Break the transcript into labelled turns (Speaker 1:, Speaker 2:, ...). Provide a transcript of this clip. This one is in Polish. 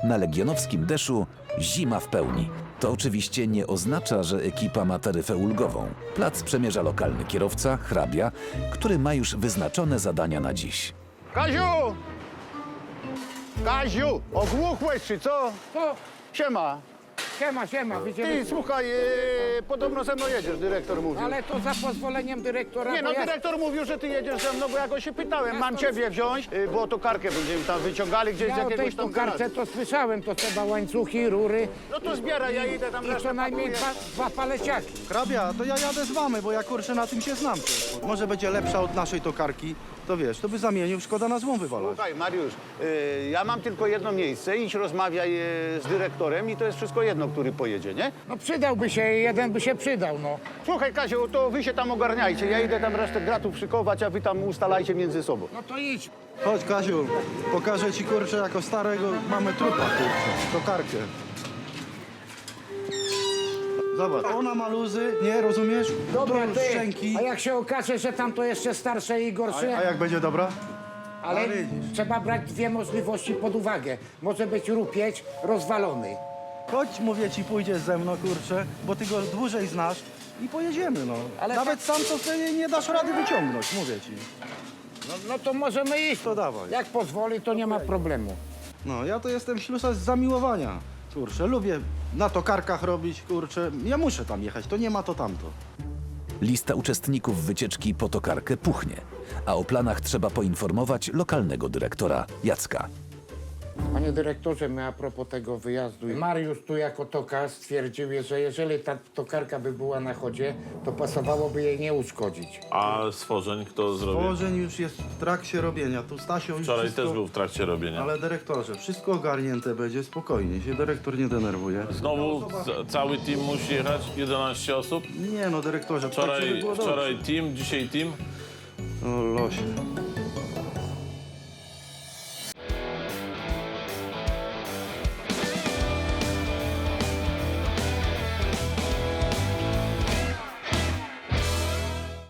Speaker 1: Na legionowskim Deszu zima w pełni. To oczywiście nie oznacza, że ekipa ma taryfę ulgową. Plac przemierza lokalny kierowca, hrabia, który ma już wyznaczone zadania na dziś.
Speaker 2: Kaziu! Kaziu! Ogłuchłeś czy co?
Speaker 3: To,
Speaker 2: Siema.
Speaker 3: siema,
Speaker 2: Ty,
Speaker 3: widzimy.
Speaker 2: słuchaj, podobno ze mną jedziesz, dyrektor mówił.
Speaker 3: Ale to za pozwoleniem dyrektora.
Speaker 2: Nie no,
Speaker 3: bo ja-
Speaker 2: dyrektor mówił, że ty jedziesz ze mną, bo ja go się pytałem,
Speaker 3: Ja
Speaker 2: mam
Speaker 3: to-
Speaker 2: ciebie wziąć, bo to karkę będziemy tam wyciągali gdzieś z
Speaker 3: Ja o tej
Speaker 2: jakiegoś tam
Speaker 3: tokarce
Speaker 2: garażu.
Speaker 3: to słyszałem, to trzeba łańcuchy, rury
Speaker 2: No to zbieraj, ja idę tam
Speaker 3: i
Speaker 2: resztę
Speaker 3: co najmniej
Speaker 2: pakuję.
Speaker 3: dwa paleciaki.
Speaker 4: Hrabia, to ja jadę z wami, bo ja kurczę na tym się znam. Może będzie lepsza od naszej tokarki, to wiesz, to by zamienił, szkoda na złą wywalać.
Speaker 2: Słuchaj, Mariusz, ja mam tylko jedno miejsce, idź rozmawiaj z dyrektorem i to jest wszystko jedno, który pojedzie, nie?
Speaker 3: No przydałby się, jeden by się przydał, no.
Speaker 2: Słuchaj, Kaziu, to wy się tam ogarniajcie, ja idę tam resztę gratów szykować, a wy tam ustalajcie między sobą.
Speaker 3: No to idź.
Speaker 4: Chodź Kaziu, pokażę ci kurczę jako starego mamy trupa kurczę, tokarkę. Zobacz, ona ma luzy, nie rozumiesz?
Speaker 3: Dobra,
Speaker 4: tu
Speaker 3: ty,
Speaker 4: szczęki.
Speaker 3: a jak się okaże, że tam to jeszcze starsze i
Speaker 4: A
Speaker 3: gorsze,
Speaker 4: jak będzie dobra?
Speaker 3: ale
Speaker 4: a widzisz.
Speaker 3: trzeba brać dwie możliwości pod uwagę. Może być rupieć rozwalony.
Speaker 4: Chodź, mówię ci, pójdziesz ze mną kurczę, bo ty go dłużej znasz i pojedziemy no.
Speaker 3: Ale
Speaker 4: Nawet sam to sobie nie dasz rady wyciągnąć, mówię ci.
Speaker 3: No to możemy iść.
Speaker 4: To dawaj.
Speaker 3: Jak pozwoli, to nie ma problemu.
Speaker 4: No, ja to jestem ślusa z zamiłowania. Kurczę, lubię na tokarkach robić, kurczę. Ja muszę tam jechać, to nie ma to tamto.
Speaker 1: Lista uczestników wycieczki po tokarkę puchnie, a o planach trzeba poinformować lokalnego dyrektora Jacka.
Speaker 3: Panie dyrektorze, my a propos tego wyjazdu, Mariusz tu jako tokarz stwierdził, że jeżeli ta tokarka by była na chodzie, to pasowałoby jej nie uszkodzić.
Speaker 5: A stworzeń kto zrobił?
Speaker 4: Tworzeń już jest w trakcie robienia. Tu Stasio już
Speaker 5: Wczoraj
Speaker 4: wszystko...
Speaker 5: też był w trakcie robienia.
Speaker 4: Ale dyrektorze, wszystko ogarnięte będzie, spokojnie, się dyrektor nie denerwuje.
Speaker 5: Znowu cały team musi jechać, 11 osób.
Speaker 4: Nie no, dyrektorze, tak żeby
Speaker 5: Wczoraj,
Speaker 4: było dobrze.
Speaker 5: wczoraj team, dzisiaj team.
Speaker 4: O losie.